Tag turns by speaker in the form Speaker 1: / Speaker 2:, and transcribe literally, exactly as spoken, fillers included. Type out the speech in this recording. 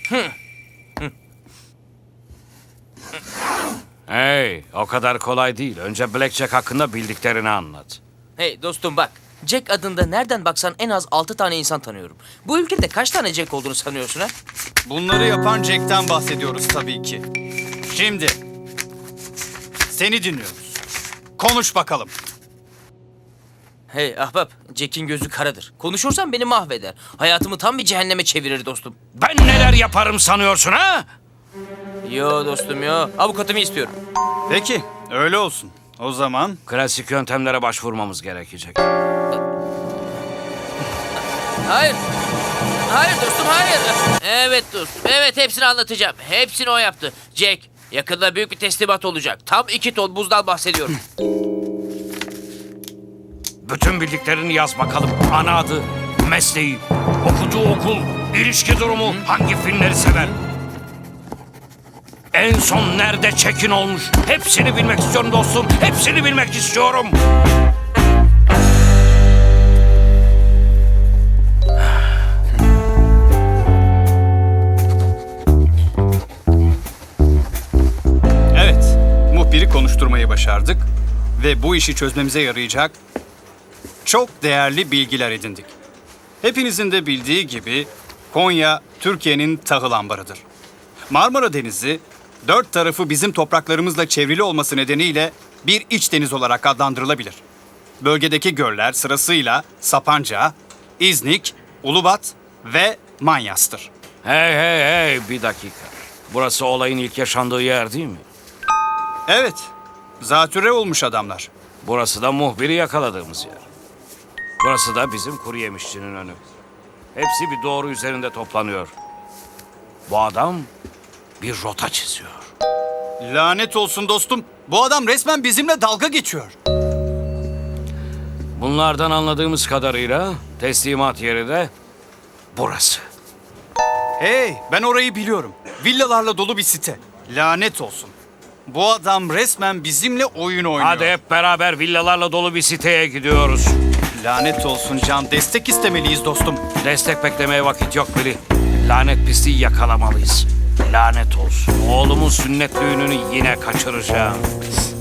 Speaker 1: Hey, o kadar kolay değil. Önce Blackjack hakkında bildiklerini anlat.
Speaker 2: Hey dostum bak. Jack adında nereden baksan en az altı tane insan tanıyorum. Bu ülkede kaç tane Jack olduğunu sanıyorsun ha?
Speaker 3: Bunları yapan Jack'ten bahsediyoruz tabii ki. Şimdi seni dinliyoruz. Konuş bakalım.
Speaker 2: Hey ahbap, Jack'in gözü karadır. Konuşursam beni mahveder. Hayatımı tam bir cehenneme çevirir dostum.
Speaker 1: Ben neler yaparım sanıyorsun ha?
Speaker 2: Yo dostum yo. Avukatımı istiyorum.
Speaker 3: Peki, öyle olsun. O zaman
Speaker 1: Klasik yöntemlere başvurmamız gerekecek.
Speaker 2: Hayır. Hayır dostum hayır. Evet dostum. Evet hepsini anlatacağım. Hepsini o yaptı. Jack yakında büyük bir teslimat olacak. Tam iki ton buzdan bahsediyorum.
Speaker 1: Bütün bildiklerini yaz bakalım. Ana adı, mesleği, okuduğu okul, ilişki durumu, hangi filmleri sever. En son nerede çekin olmuş? Hepsini bilmek istiyorum dostum. Hepsini bilmek istiyorum.
Speaker 3: evet, muhbiri konuşturmayı başardık ve bu işi çözmemize yarayacak çok değerli bilgiler edindik. Hepinizin de bildiği gibi Konya Türkiye'nin tahıl ambarıdır. Marmara Denizi dört tarafı bizim topraklarımızla çevrili olması nedeniyle bir iç deniz olarak adlandırılabilir. Bölgedeki göller sırasıyla Sapanca, İznik, Ulubat ve Manyas'tır.
Speaker 1: Hey hey hey bir dakika. Burası olayın ilk yaşandığı yer değil mi?
Speaker 3: Evet, zatürre olmuş adamlar.
Speaker 1: Burası da muhbiri yakaladığımız yer. Burası da bizim kuru yemişçinin önü. Hepsi bir doğru üzerinde toplanıyor. Bu adam bir rota çiziyor.
Speaker 3: Lanet olsun dostum, bu adam resmen bizimle dalga geçiyor.
Speaker 1: Bunlardan anladığımız kadarıyla teslimat yeri de burası.
Speaker 3: Hey, ben orayı biliyorum. Villalarla dolu bir site. Lanet olsun. Bu adam resmen bizimle oyun oynuyor.
Speaker 1: Hadi hep beraber villalarla dolu bir siteye gidiyoruz.
Speaker 3: Lanet olsun Can, destek istemeliyiz dostum.
Speaker 1: Destek beklemeye vakit yok Billy. Lanet pisliği yakalamalıyız. Lanet olsun. Oğlumun sünnet düğününü yine kaçıracağım.